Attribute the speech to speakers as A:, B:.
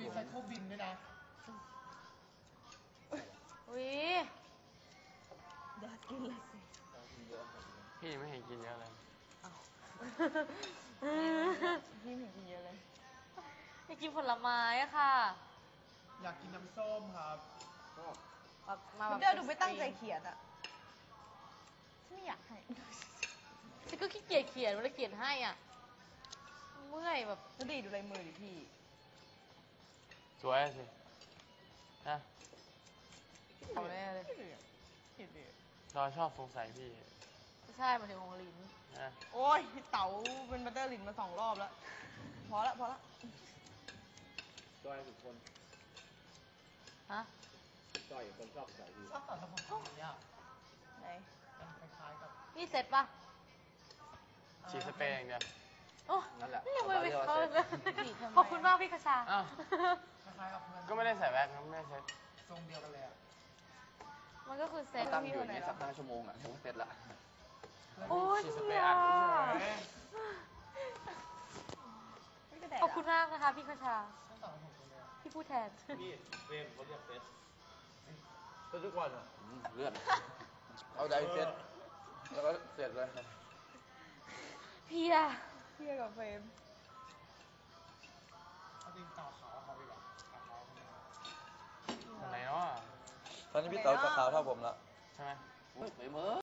A: รีไซเคิลบินด้วยนะ
B: อุ้ย
C: อยากกินเลยสิ
D: พี่ไม่เห็นกินเยอะเลย
C: พี่ไม่เห็นกินเยอะเลย
B: อยากกินผลไม้อะค่ะ
A: อยากกินน้ำส้มครับ
B: มาแบบ
C: เดี๋ยวดูไม่ตั้งใจเขียนอ่ะฉันไม่อยากให้
B: ฉันก็ขี้เกียจเขียนเวลาเขียนให้อ่ะเมื่อยแบบ
C: แล้วดีดูลายมือดิพี่
D: สวยสินะ
B: เอาแน่เลย
C: คิดดิ
D: เราชอบสงสัยพี่
B: ไม่ใช่หมายถึงของลิ้น
D: นะ
C: โอ้ยเต๋าเป็นบัตเตอร์ลินมา2 รอบแล้วพอละ
E: จ้อยทุกคน
B: ฮะ
E: จ้อยคนชอบใส่ดี
A: ชอบต่อทำของแบบนี้อ่ะ
C: ไหน
A: เป็นคล้ายๆกับ
B: นี่เสร็จปะ
D: ฉีดสเปรย์อย่างเดียว
B: โอ้
E: นั่นแหละ
B: นี่ยังไม่ไปเข้าเลย
C: ฉีดทำไม
B: ขอบคุณมากพี่คชา
D: อ้าว
A: คล้ายๆกับเพื่อน
D: ก็ไม่ได้ใส่แว็กซ์นะไม่ได้ใช้
A: ทรงเดียวกันเลยอ่ะ
B: มันก็คือเซ็ต
E: ตั้งอยู่อย่างนี้สัก5 ชั่วโมงอ่ะถึงเสร็จละ
B: โอ้ย
D: ฉีดสเปร
B: เหี้
D: ย์
B: ย
D: อัดเฉย
C: ไม่กระแดด
B: ขอบคุณมากนะคะพี่คชา
A: ชอบต่อทำผมเลยอ่ะ
B: พี่พูดแทน
E: พี่เฟรมเขาเรียกเฟสทุกวันอ่ะเลือดเอาไดเฟสแล้วก็เสร็จเลย
B: เพีย
C: เทียกับเฟรม
A: เอาจริงต่อขาวเขาดีกว่าต่อขาวเขาดีกว่า
D: อันไหนเนาะ
E: ตอนนี้พี่เต๋อจะขาวเท่าผมละ
D: ใช่ไหม
E: ไปเมื่อ